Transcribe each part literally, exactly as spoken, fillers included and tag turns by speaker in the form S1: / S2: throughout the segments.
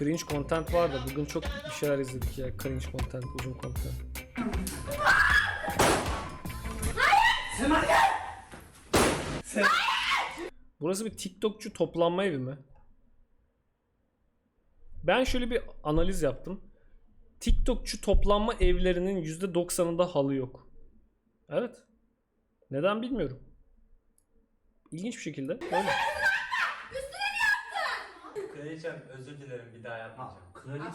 S1: Cringe content var da bugün çok bir şeyler izledik ya. Cringe content, uzun content. Burası bir TikTokçu toplanma evi mi? Ben şöyle bir analiz yaptım. TikTokçu toplanma evlerinin yüzde doksanında halı yok. Evet. Neden bilmiyorum. İlginç bir şekilde öyle.
S2: Kraliçem özür dilerim, bir daha yapmayacağım.
S3: Kraliçe.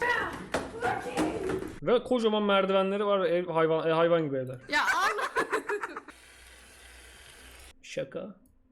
S1: Ve kocaman merdivenleri var ve ev hayvan e, hayvan gibi evler.
S4: Ya Allah.
S1: Şaka.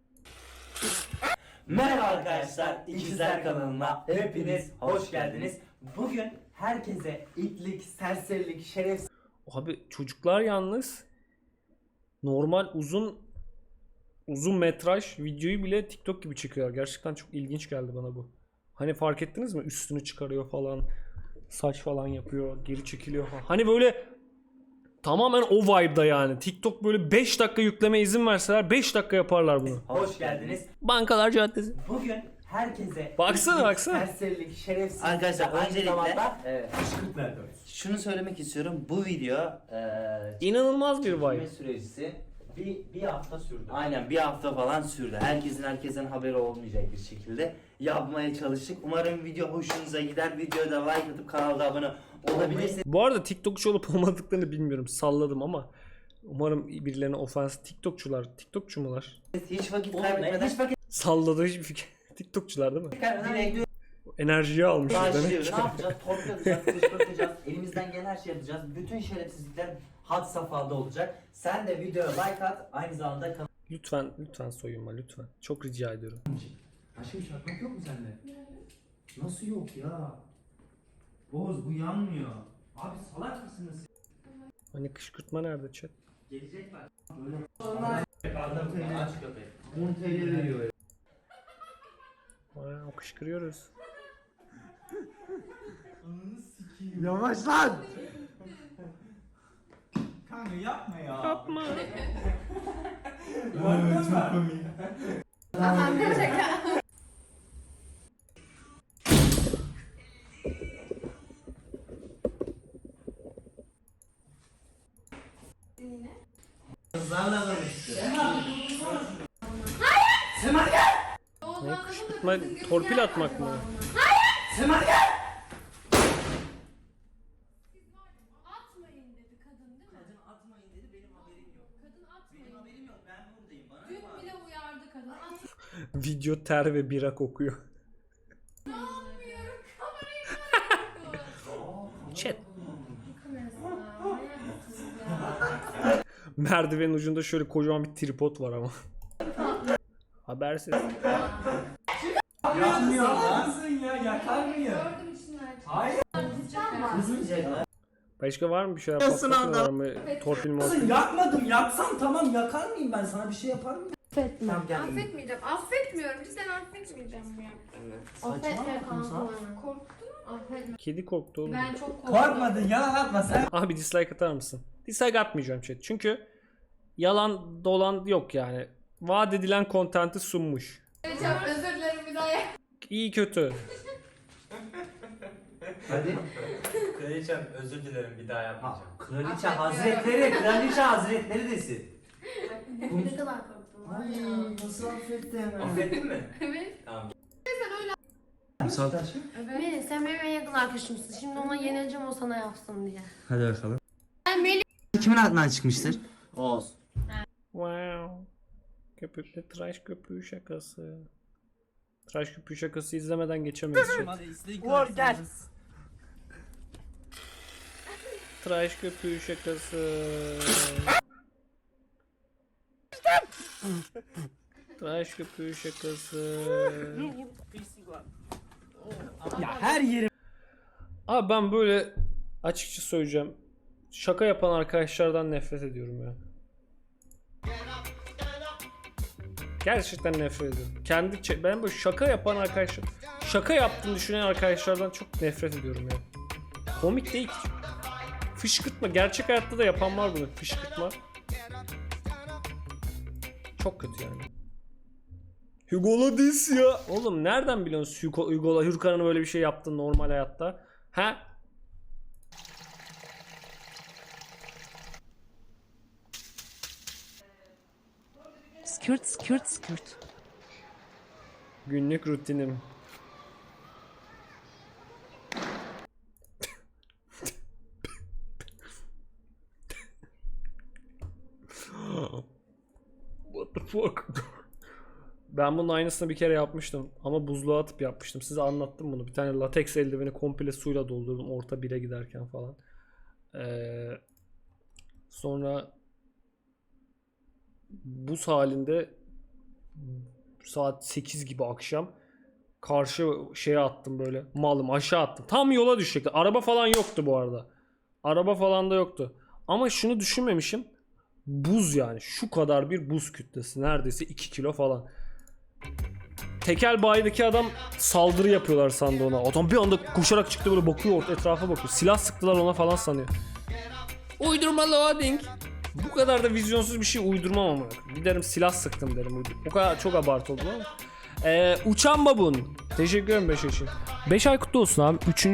S3: Merhaba arkadaşlar, İkizler kanalına hepiniz hoş geldiniz. Bugün herkese itlik, serserilik, şerefsiz...
S1: Abi çocuklar yalnız normal uzun uzun metraj videoyu bile TikTok gibi çekiyor. Gerçekten çok ilginç geldi bana bu. Hani fark ettiniz mi? Üstünü çıkarıyor falan. Saç falan yapıyor. Geri çekiliyor falan. Hani böyle tamamen o vibe'da yani. TikTok böyle beş dakika yükleme izin verseler beş dakika yaparlar bunu.
S3: Hoş geldiniz.
S1: Bankalar Caddesi.
S3: Bugün herkese
S1: Baksana,
S3: itlik,
S1: baksana.
S3: serserilik, şerefsiz...
S5: Arkadaşlar,
S3: aynı
S5: öncelikle-
S3: zamanda, evet, kışkırtma yapıyoruz.
S5: Şunu söylemek istiyorum. Bu video eee
S1: İnanılmaz bir
S5: çekilme
S1: vibe.
S5: süresi
S3: Bir, bir hafta sürdü.
S5: aynen bir hafta falan sürdü. Herkesin herkesten haberi olmayacak bir şekilde yapmaya çalıştık. Umarım video hoşunuza gider. Videoya da like atıp kanala da abone olabilirsiniz.
S1: Bu arada TikTokçu olup olmadıklarını bilmiyorum. Salladım ama umarım birilerine ofans TikTokçular, TikTokçu mular?
S5: Hiç vakit
S3: Oğlum,
S5: kaybetmeden
S3: hiç vakit
S1: Salladığı hiçbir fikir. TikTokçular değil mi?
S5: direkt
S1: Enerjiyi almışlar demek
S5: başlıyoruz.
S1: ki.
S3: ne yapacağız? Torpil atacağız, kışkırtacağız. Elimizden gelen her şeyi yapacağız. Bütün şerefsizlikler had safhada olacak. Sen de videoya like at. Aynı zamanda kanal...
S1: Lütfen, lütfen soyunma lütfen. Çok rica ediyorum.
S3: Aşkım çakmak yok mu sende? Nasıl yok ya? Boz bu yanmıyor. Abi salak mısınız?
S1: Hani kışkırtma nerede chat?
S3: Gelecekler. Böyle. Aç köpek. on T L veriyor ya.
S1: Aa, kışkırıyoruz.
S3: Yavaş lan! Kanka yapma ya.
S1: Yapma.
S3: Evet, çok komik.
S4: Tamam bir şaka.
S3: Kızlarla konuştu.
S1: Ne kışkırtma, torpil atmak mı?
S4: Atmayın dedi kadın değil mi?
S5: Kadın atmayın dedi, benim haberim yok.
S4: Kadın atmayın.
S5: Benim haberim yok, ben buradayım. Bana
S4: Dün
S5: ne var?
S4: bile uyardı kadın. Atmayın.
S1: Video ter ve bira kokuyor.
S4: Anlamıyorum. Kamerayı bırakın.
S1: Chat.
S4: Kamerası. Manyak mısınız ya?
S1: Merdivenin ucunda şöyle kocaman bir tripod var ama. Habersiz.
S3: Yapmıyor lan. Kızın ya yakar mıyım?
S4: Gördüm içinden.
S3: Hayır.
S5: Kızmayacak.
S1: Başka var mı bir şeyler patlatma var mı? Torpil mi?
S3: Kızım yakmadım. Yaksam tamam yakar mıyım ben? Sana bir şey yapar mıyım?
S4: Affetme.
S5: Tamam, gel.
S4: Affetmeyeceğim. Affetmiyorum. Cidden affetmeyeceğim ya. Affetme kanka. Korktun mu? Affetme.
S1: Kedi korktu oğlum.
S4: Ben çok korktum.
S3: Korkmadın yalan atma sen.
S1: Abi dislike atar mısın? Dislike atmayacağım chat. Çünkü yalan dolan yok yani. Vaat edilen kontenti sunmuş.
S4: Çok özür dilerim bir daha.
S1: İyi kötü.
S3: Hadi.
S2: Kraliçem özür dilerim, bir daha yapmayacağım.
S3: Kraliçe hazretleri, kraliçe hazretleri desin.
S4: Ne kadar korktum.
S3: Ay nasıl affetti hemen.
S2: Affettin mi?
S4: Evet.
S2: Tamam.
S4: Melih sen benim en yakın arkadaşımsın. Şimdi ona yenileceğim o sana yapsın diye.
S5: Hadi bakalım.
S4: Ben Melih.
S5: Kimin aklından çıkmıştır? Oğuz.
S1: Wow. Köpüklü tıraş köpüğü şakası. Tıraş köpüğü şakası izlemeden geçemeyiz chat.
S3: Uğur gel.
S1: Tıraş köpüğü şakası. Tıraş köpüğü şakası.
S3: Ya her yerim.
S1: Abi ben böyle açıkça söyleyeceğim. Şaka yapan arkadaşlardan nefret ediyorum ya. Gerçekten nefret ediyorum. Kendi çe- ben böyle şaka yapan arkadaşlar, şaka yaptığını düşünen arkadaşlardan çok nefret ediyorum ya. Komik değil ki. Fışkırtma. Gerçek hayatta da yapan var bunu. Fışkırtma. Çok kötü yani. Hugo Ladis ya. Oğlum nereden biliyorsun Hugo, Hugo Hürkan'ın böyle bir şey yaptığını normal hayatta? Ha?
S6: Skürt skürt skürt.
S1: Günlük rutinim. What the fuck? Ben bunun aynısını bir kere yapmıştım ama buzluğa atıp yapmıştım. Size anlattım bunu. Bir tane lateks eldiveni komple suyla doldurdum orta bire giderken falan. Ee, sonra buz halinde saat sekiz gibi akşam karşı şeye attım böyle. Malım aşağı attım. Tam yola düşecekti. Araba falan yoktu bu arada. Araba falan da yoktu. Ama şunu düşünmemişim. Buz yani. Şu kadar bir buz kütlesi. Neredeyse iki kilo falan. Tekel bayideki adam saldırı yapıyorlar sandı ona. Adam bir anda koşarak çıktı böyle bakıyor orta etrafa bakıyor. Silah sıktılar ona falan sanıyor. Uydurma loading. Bu kadar da vizyonsuz bir şey uydurmam ama. Giderim silah sıktım derim. O kadar çok abartı oldu ama. Ee, Uçan Babun. Teşekkür ederim beş yaşın. beş ay kutlu olsun abi. Üçüncü